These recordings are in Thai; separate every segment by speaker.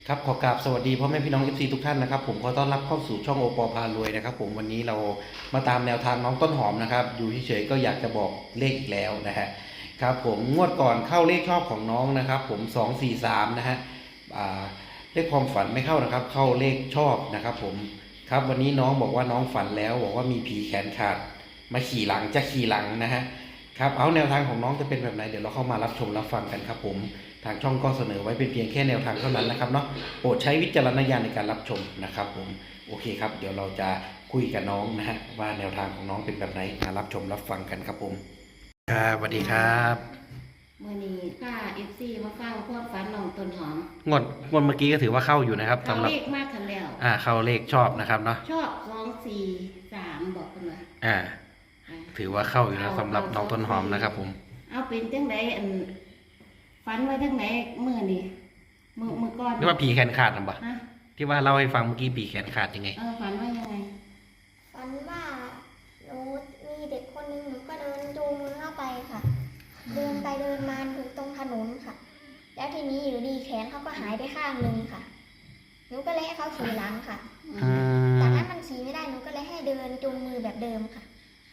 Speaker 1: ครับขอกราบสวัสดีพ่อแม่พี่น้อง FC ทุกท่านนะครับผมขอต้อนรับเข้าสู่ช่องโอปอพารวยนะครับผมวันนี้เรามาตามแนวทางน้องต้นหอมนะครับอยู่เฉยๆก็อยากจะบอกเลขอีกแล้วนะฮะครับผมงวดก่อนเข้าเลขชอบของน้องนะครับผม243นะฮะเลขความฝันไม่เข้านะครับเข้าเลขชอบนะครับผมครับวันนี้น้องบอกว่าน้องฝันแล้วบอกว่ามีผีแขนขาดมาขี่หลังจะขี่หลังนะฮะครับเอาแนวทางของน้องจะเป็นแบบไหนเดี๋ยวเราเข้ามารับชมรับฟังกันครับผมทางช่องก็เสนอไว้เป็นเพียงแค่แนวทางเท่านั้นนะครับเนาะโปรดใช้วิจารณญาณในการรับชมนะครับผมโอเคครับเดี๋ยวเราจะคุยกับน้องนะฮะว่าแนวทางของน้องเป็นแบบไหนมารับชมรับฟังกันครับผมครับสวัสดีครับ
Speaker 2: เมื่อนี้ถ้าFCมาฟังพวกฝันน้องต้นหอม
Speaker 1: งวดเมื่อกี้ก็ถือว่าเข้าอยู่นะครับ
Speaker 2: เขา
Speaker 1: สำหรับ
Speaker 2: เลขมากทันแล้ว
Speaker 1: เข้าเลขชอบนะครับเนาะ
Speaker 2: ชอบ243บอกกันว่า
Speaker 1: ถือว่าเข้าอยู่นะสำหรับน้องต้นหอมนะครับผม
Speaker 2: เอาเป็นจังไดฝันไว้จังไหนเมื่อนี้เมื่อก่อน
Speaker 1: นี่ว่าผีแขนขาดหรือเปล่าที่ว่าเล่าให้ฟังเมื่อกี้ผีแขนขาดยังไง
Speaker 2: ฝันว่ายังไง
Speaker 3: ฝันว่าหนูมีเด็กคนนึงหนูก็เดินจูงมือเข้าไปค่ะเดินไปเดินมาอยู่ตรงถนนค่ะแล้วทีนี้อยู่ดีแขนเขาก็หายไปข้างหนึ่งค่ะหนูก็เลยให้เขาขี่หลังค่ะจากนั้นมันขี่ไม่ได้หนูก็เลยให้เดินจูงมือแบบเดิมค่ะ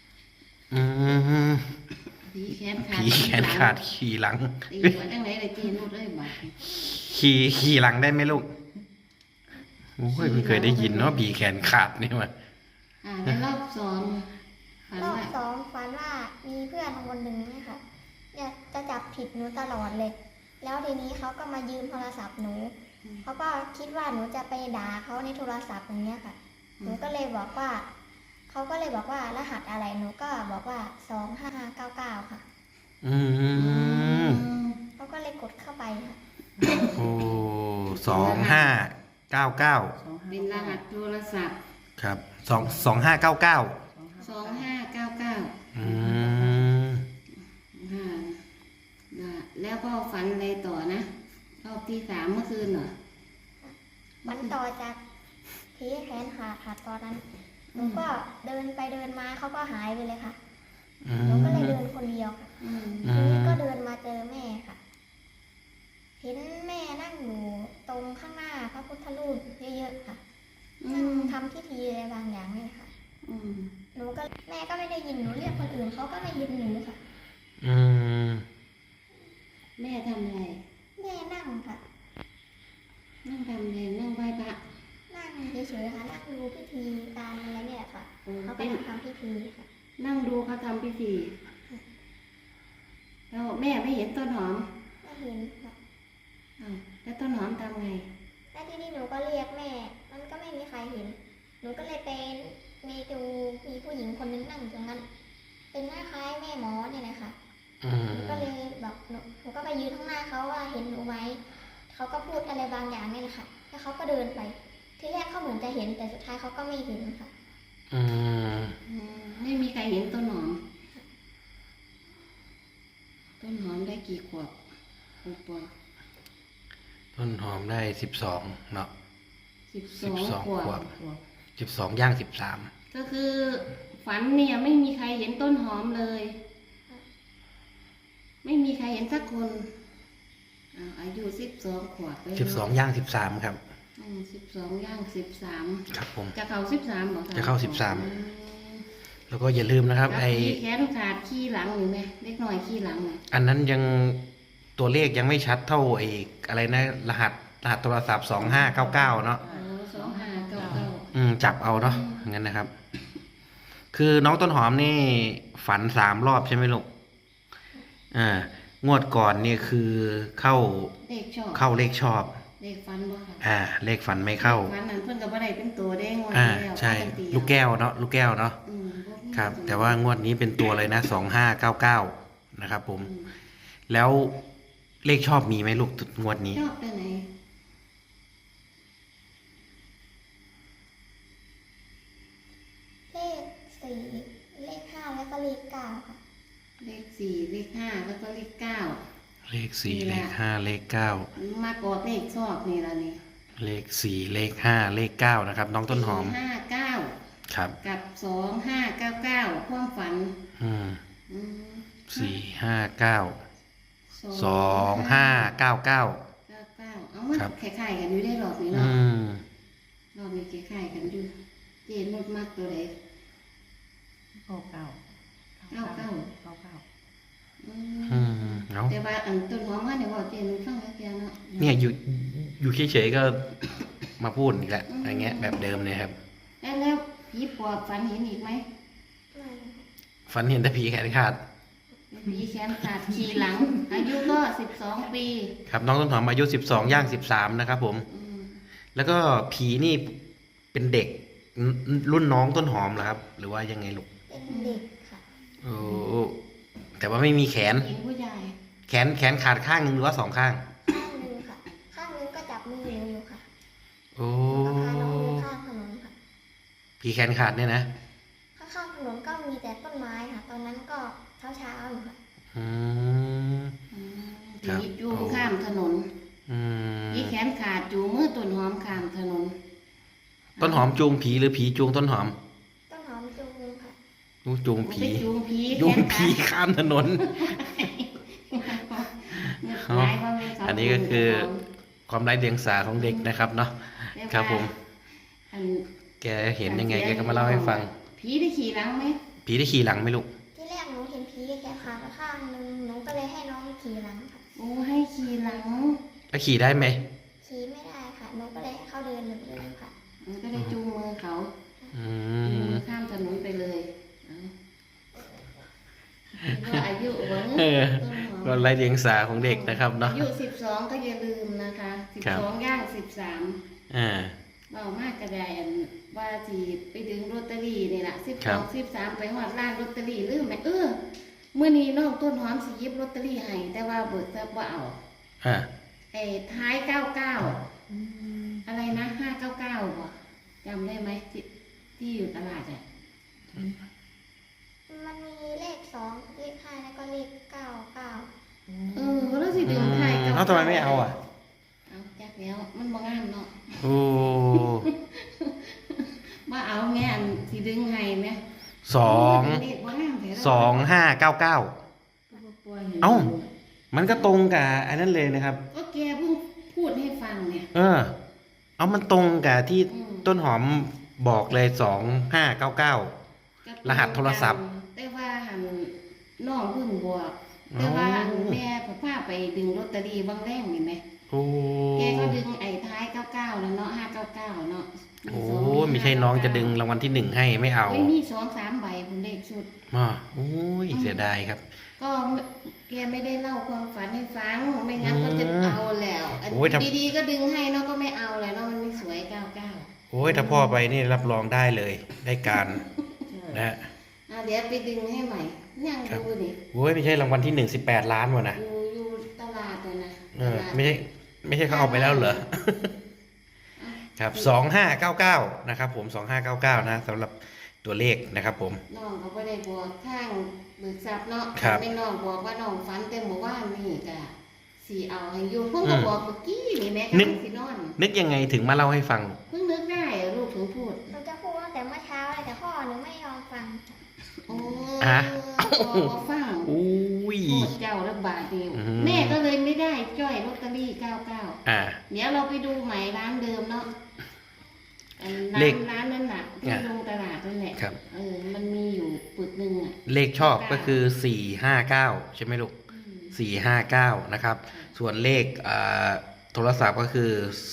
Speaker 2: ผีแขน
Speaker 1: ขาดขี่หลัง
Speaker 2: ตีหัวจังไหนเลยตีนุดเลยบาด
Speaker 1: ขี่หลังได้ไหมลูกโอ้ยไม่เคยได้ยินเนาะผีแขนขาดนี่มา
Speaker 2: ในรอบสอง
Speaker 3: ฝันว่ามีเพื่อนคนหนึ่งนะคะจะจับผิดหนูตลอดเลยแล้วทีนี้เขาก็มายืมโทรศัพท์หนูเขาก็คิดว่าหนูจะไปด่าเขาในโทรศัพท์อย่างเงี้ยค่ะหนูก็เลยบอกว่าเขาก็เลยบอกว่ารหัสอะไรหนูก็บอกว่า2599ค่ะเขาก็เลยกดเข้าไปค่ะ
Speaker 1: โอ้2599
Speaker 2: เป็นรหัสโทรศัพท์
Speaker 1: ครับ2599
Speaker 2: แล้วก็ฝันอะไรต่อนะรอบที่3เมื่อคืนเหรอ
Speaker 3: มันต่อจากผีแขนขาดค่ะตอนนั้นหนูก็เดินไปเดินมาเขาก็หายไปเลยค่ะหนูก็เลยเดินคนเดียวค่ะทีนี้ก็เดินมาเจอแม่ค่ะเห็นแม่นั่งอยู่ตรงข้างหน้าพระพุทธรูปเยอะๆค่ะนั่งทำพิธีอะไรบางอย่างนี่ค่ะหนูก็แม่ก็ไม่ได้ยินหนูเรียกคนอื่นเขาก็ไม่ยินหนูค่ะ
Speaker 2: แม่ทำอะไร
Speaker 3: แม่นั่งค่ะ
Speaker 2: นั่งทำอะไรนั่งไหว้พระ
Speaker 3: นั่งเฉยๆค่ะนั่งดูพิธีการอะไรเนี่ยค่ะเขาไปทำพิธีค่ะ
Speaker 2: นั่งดูเขาทำพิธีแล้วแม่ไม่เห็นต้นหอม
Speaker 3: ไม่เห็นค่ะ
Speaker 2: แล้วต้นหอมทำไง
Speaker 3: แล้วทีนี้หนูก็เรียกแม่มันก็ไม่มีใครเห็นหนูก็เลยไปมีผู้หญิงคนนึงนั่งตรงนั้นเป็นคล้ายๆแม่หมอเนี่ยนะคะหนูก็เลยบอกหนูก็ไปยืนข้างหน้าเขาว่าเห็นหนูไหมเขาก็พูดอะไรบางอย่างนี่แหละค่ะแล้วเขาก็เดินไปที่แรกเขาเหมือนจะเห็นแต่สุดท้ายเขาก็ไม่เห็นค่ะ
Speaker 2: ไม่มีใครเห็นต้นหอมได้กี่ขวบ6 ปี
Speaker 1: ต้นหอมได้12เนาะ
Speaker 2: 12 ขวบ
Speaker 1: 12ย่าง13
Speaker 2: ก็คือฝันเนี่ยไม่มีใครเห็นต้นหอมเลยไม่มีใครเห็นสักคนอายุ12 ขวบ
Speaker 1: 12ย่าง13ครับ
Speaker 2: 12ย่าง13
Speaker 1: ครับผม
Speaker 2: จะเข้า13หรอ
Speaker 1: จะเข้า13แล้วก็อย่าลืมนะครับไอ้
Speaker 2: แขนขาดขี้หลังหรือไงเล็กน้อยขี้หลัง
Speaker 1: อันนั้นยังตัวเลขยังไม่ชัดเท่าไอ้อะไรนะรหัสโทรศัพท์2599เนาะ
Speaker 2: 2599
Speaker 1: จับเอาเนาะงั้นนะครับคือน้องต้นหอมนี่ฝัน3 รอบใช่ไหมลูกงวดก่อนนี่คือเข้าเลขชอบ
Speaker 2: เลขฝันบ่ค่ะ
Speaker 1: เลขฝันไม่เข้า
Speaker 2: ฝันนั้นเพิ่นก็บ่ได้เป็นตัวได้งวดแล้ว
Speaker 1: ใช่ลูกแก้วเนาะครับแต่ว่างวดนี้เป็นตัวเลยนะ2599นะครับผมแล้วเลขชอบมีไหมลูกงวดนี้
Speaker 2: ชอบตัวไหน
Speaker 3: เลข4เลข5แล้วก็เลข9ค่ะ
Speaker 2: เลข4เลข5แล้วก็เลข9
Speaker 1: เลข4เลข5เลข9
Speaker 2: มากอดเลขชอบนี่ล่ะนี่
Speaker 1: เลข4เลข5เลข9นะครับน้องต้นหอม
Speaker 2: 59
Speaker 1: ครับ
Speaker 2: กับ2599ความฝัน
Speaker 1: 459 2599
Speaker 2: เอ้ามัน
Speaker 1: ครับ
Speaker 2: คล้ายๆกันอยู่ได้รอบนี้
Speaker 1: อื
Speaker 2: เนาะ
Speaker 1: ม
Speaker 2: รอบนี้คล้ายๆกันอยู่เจนดมากตัวใด
Speaker 4: เก้าเก้า
Speaker 2: เก้าเก้า
Speaker 4: เก้าเก้า
Speaker 2: อื
Speaker 1: อื
Speaker 2: ม
Speaker 1: มเอา
Speaker 2: แต่ว่าอันต้นหอมว่าเนี่ยว่าเจนฟังแล้วแกเนาะ
Speaker 1: เนี่ยอยู่เฉยๆก็มาพูดอีกแล้วอะไรเงี้ยแบบเดิมเนี่ยครับ
Speaker 2: แล้วผีปอบฝันเห็นอีกไหม
Speaker 3: ไม่
Speaker 1: ฝันเห็นแต่ผีแขนขาด
Speaker 2: ผีแขนขาดขี่หลัง อายุก็12 ปี
Speaker 1: ครับน้องต้นหอมอายุ12ย่าง13นะครับผม
Speaker 2: อืม
Speaker 1: แล้วก็ผีนี่เป็นเด็กรุ่นน้องต้นหอมเหรอครับ หรือว่ายังไงลูก
Speaker 3: เป็นเด็กค่ะ
Speaker 1: โอ้แต่ว่าไม่มีแขน
Speaker 2: หญิงผู้ใหญ่
Speaker 1: แขนขาดข้างหนึ่งหรือว่า2 ข้าง
Speaker 3: ข้างหนึงค่ะ ข้างหนึงก็จับมือหนูอยู่ค่ะ
Speaker 1: โอ้
Speaker 3: แล้วพาน้องเดินข้ามถนนค่ะ
Speaker 1: ผีแขนขาดเนี่ยนะ
Speaker 3: ข้างๆถนนก็มีแต่ต้นไม้ค่ะ ตอนนั้นก็เช้าๆอยู่ค่ะ
Speaker 1: อืม
Speaker 2: อืม
Speaker 1: ครับ
Speaker 2: ผีจูงข้ามถนน
Speaker 1: อืม
Speaker 2: ผีแขนขาดจูงมือต้นหอมข้ามถนน
Speaker 1: ต้นหอมจูงผีหรือผีจูงต้นหอม
Speaker 3: ต้นหอมจูงค่ะ
Speaker 1: จูง
Speaker 2: ไป
Speaker 1: ผี
Speaker 2: จูงผี
Speaker 1: จูง
Speaker 2: แขน
Speaker 1: ผี
Speaker 2: ขาด
Speaker 1: ข้ามถนน
Speaker 2: หลายว่าแม่เขา
Speaker 1: อันนี้ก็คือ ความไร้เดียงสาของเด็กนะครับเนาะ ครับผม
Speaker 2: อัน
Speaker 1: แกเห็นยังไงแกก็มาเล่าให้ฟัง
Speaker 2: ผีได้ขี่หลังไหม
Speaker 1: ผีได้ขี่หลังไหมลูก
Speaker 3: ที่แรกหนูเห็นผีแค่ขาข้างหนึงหนูก็เลยให้น้องขี่หลังค่ะ
Speaker 2: โอ้ให้ขี่หลัง
Speaker 1: แล้วขี่ได้ไหม
Speaker 3: ขี่ไม่ได้ค่ะหนูก็เลยให้เขาเดินเหมือนเดิมค่ะ
Speaker 2: มันก็ได้จูงมือเขา
Speaker 1: อื
Speaker 2: จูง
Speaker 1: ม
Speaker 2: มือข้ามถนนไปเลยเอาก็อายุหวัง
Speaker 1: เออ
Speaker 2: ต้นหอม
Speaker 1: ก็ไร้เดียงสาของเด็กนะครับเนาะ
Speaker 2: อายุ12ก็อย่าลืมนะคะ12ย่าง13
Speaker 1: อ่า
Speaker 2: เบามากกระไดอันว่าสิไปดึงลอตเตอรี่นี่แหละ
Speaker 1: ครับ
Speaker 2: 12 13ไปหอดร้านลอตเตอรี่ลืมไหมเมื่อนี้น้องต้นหอมสิหยิบลอตเตอรี่ให้แต่ว่าเบิกทรัพย์ว่าเอา
Speaker 1: อ่า
Speaker 2: ไอ้ท้าย99อะไรนะ599บ่จำได้ไหมที่อยู่ตลาดอ่ะ
Speaker 3: มันมีเลข2เลข5แล้วก็เลข9
Speaker 2: แล้วสิดึงท้าย
Speaker 1: แล้วทำไมไม่เอาอ่ะ
Speaker 2: เอาจักแล้วมันบ่งามเนาะ
Speaker 1: โอ้
Speaker 2: ว่าเอาแม่อันสิดึงให้แม่
Speaker 1: สอง
Speaker 2: เลขบ่งามแท้
Speaker 1: 2599 เอ้า มันก็ตรงกับอันนั้นเลยนะครับ
Speaker 2: ก็แกเพิ่งพูดให้ฟังเนี่ย
Speaker 1: เอามันตรงกับที่
Speaker 2: อืม
Speaker 1: ต้นหอมบอกเลย2599 รหัสโทรศัพท์
Speaker 2: แต่ว่าหันน้องเพิ่งบวกแต่ว่าอันแม่พาไปดึงลอตเตอรี่บางแรงนี่ไหม
Speaker 1: โอ้
Speaker 2: แกก็ดึงไอ้ท้าย99แล้วเนาะ599เนาะ
Speaker 1: โอ้ไม่ใช่น้องจะดึงรางวัลที่ 1ให้ไม่เอา
Speaker 2: ไม่มี2-3ใบผมเลขชุด
Speaker 1: โอ้ยเสียดายครับ
Speaker 2: ก็แกไม่ได้เล่าความฝันให้ฟัง ไม่งั้นก็จะเอาแล้วอัน
Speaker 1: โอ้ยถ้า
Speaker 2: ดีๆก็ดึงให้เนาะก็ไม่เอาเลยเนาะมันไม่สวย99
Speaker 1: โอ้ยถ้าพ่อไปนี่รับรองได้เลย ได้การนะฮะ
Speaker 2: เดี๋ยวไปดึงให้ใหม่ยังดูดิ
Speaker 1: โอ้ยไม่ใช่รางวัลที่ 18 ล้านวะนะ
Speaker 2: อยู่ตลาดเลยนะ
Speaker 1: ไม่ใช่เขาเอาไปแล้วเหรอ ครับ2599นะครับผม2599นะสำหรับตัวเลขนะครับผม
Speaker 2: น้องเขาไม่ได้บอกข้างเบิกทรัพย์เนาะ
Speaker 1: ครับ
Speaker 2: ไม่น้องบอกว่าน้องฝันแต่หมู่บ้านนี่กะสีเอาให้อยู่เพิ่งก็บอกเมื่อกี้นี่แม่กำลังสินอน
Speaker 1: นึกยังไงถึงมาเล่าให้ฟัง
Speaker 2: เพิ่งนึกได้ลูกถึงพูด
Speaker 3: หนูจะพูดตั้งแต่เมื่อเช้าเลยแต่พ่อหนูไม่ยอมฟัง
Speaker 2: โอ้
Speaker 1: อ่ะ
Speaker 2: บอกฟัง
Speaker 1: อุ้ย
Speaker 2: โคตรเจ้าระบาดเดียว
Speaker 1: อืม
Speaker 2: แม่ก็เลยไม่ได้จ้อยลอตเตอรี่99
Speaker 1: อ่า
Speaker 2: เดี๋ยวเราไปดูใหม่ร้านเดิมเนาะอัน
Speaker 1: เลข
Speaker 2: ร้านนั้นน่ะที่ลงตลาดนั่นแหละ
Speaker 1: ครับ
Speaker 2: มันมีอยู่ปึกหนึ่งอ่ะ
Speaker 1: เลขชอบก็คือ459ใช่ไหมลูก459นะครับ ส่วนเลขโทรศัพท์ก็คือ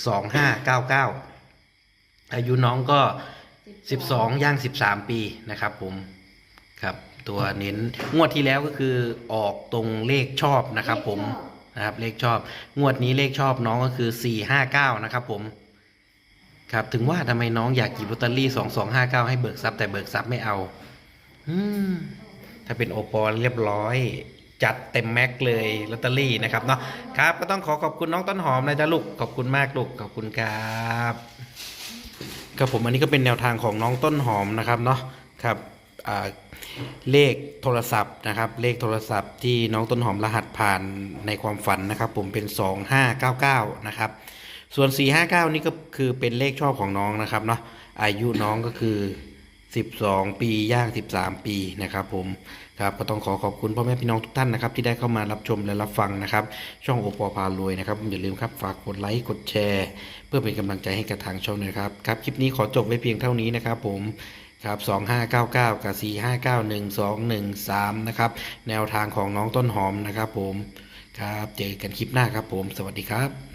Speaker 1: 2599อายุน้องก็12ย่าง13ปีนะครับผมครับตัวเน้นงวดที่แล้วก็คือออกตรงเลขชอบนะครับผมนะครับเลขชอบงวดนี้เลขชอบน้องก็คือ459นะครับผมครับถึงว่าทำไมน้องอยากหยิบลอตเตอรี่2259ให้เบิกทรัพย์แต่เบิกทรัพย์ไม่เอาถ้าเป็นโอปอเรียบร้อยจัดเต็มแม็กเลยลอตเตอรี่นะครับเนาะครับก็ต้องขอบคุณน้องต้นหอมนะจ๊ะลูกขอบคุณมากลูกขอบคุณครับครับผมอันนี้ก็เป็นแนวทางของน้องต้นหอมนะครับเนาะครับเลขโทรศัพท์นะครับเลขโทรศัพท์ที่น้องต้นหอมรหัสผ่านในความฝันนะครับผมเป็น2599นะครับส่วน459นี่ก็คือเป็นเลขชอบของน้องนะครับเนาะอายุน้องก็คือ 12 ปีย่าง13 ปีนะครับผมครับก็ต้องขอบคุณพ่อแม่พี่น้องทุกท่านนะครับที่ได้เข้ามารับชมและรับฟังนะครับช่องโอปอพารวยนะครับอย่าลืมครับฝากกดไลค์กดแชร์เพื่อเป็นกำลังใจให้กับทางช่องนะครับครับคลิปนี้ขอจบไว้เพียงเท่านี้นะครับผมครับ2599กับ4591213นะครับแนวทางของน้องต้นหอมนะครับผมครับเจอกันคลิปหน้าครับผมสวัสดีครับ